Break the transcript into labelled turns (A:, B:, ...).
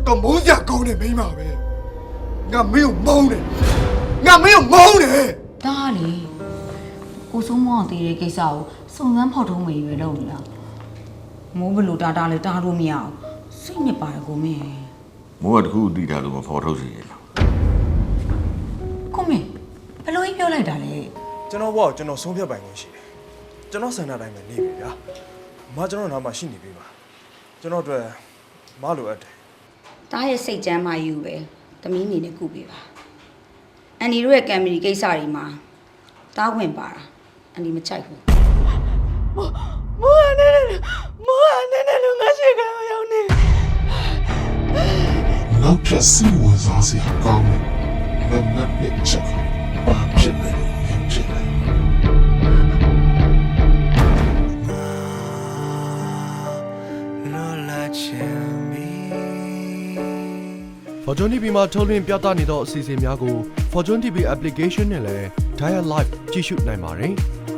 A: တော်မိုးစရာကောင်းတယ်မိန်းမပဲငါမင်းကိုမုန်းတယ်ငါမင်းကိုမုန်းတယ်
B: ဒါလေကိုစိုးမောင်တည်တဲ့ကိစ္စကိုစုံစမ်းဖော်ထုတ်မေးရွယ်လုပ်နေတာမိုးဘလို့တာလဲတားလို့မရအောင်စိတ်နှစ်ပါတယ်ကိုမင်း
C: မိုးကတခုတည်တာလို့မဖော်ထုတ်စီရလား
B: ကိုမင်းဘလို့ပြောလိုက်တာလဲ
D: ကျွန်တော်ဘောကျွန်တော်ဆုံးဖြတ်ပိုင်ခွင့်ရှိတယ်ကျွန်တော်ဆန္ဒတိုင်းပဲနေပြီဗျာမကျွန်တော်နားမှာရှိနေပြီပါကျွန်တော်အတွက်မလိုအပ်တယ်
B: တားရဲ့စိတ်ကြမ်းမှယူပဲသမီးအနေနဲ့ကုပေးပါအန်ဒီတို့ရဲ့ကံမီကိစ္စတွေမှာတားဝင်ပါတာအန်ဒီမချိုက်ဘူး
E: မိုးအနေနဲ့လူငါရှိကံရောက်နေ
F: နောက်ထပ်စီဝန်စားစရာကောင်းတယ်မနက်ချက်ပါဖြစ်နေဖြစ်နေ
G: Fortune TV မှာထုတ်လွှင့်ပြသနေသောအစီအစဉ်များကို Fortune TV application နဲ့လည်း Dial Live ကြည့်ရှုနိုင်ပါတယ်။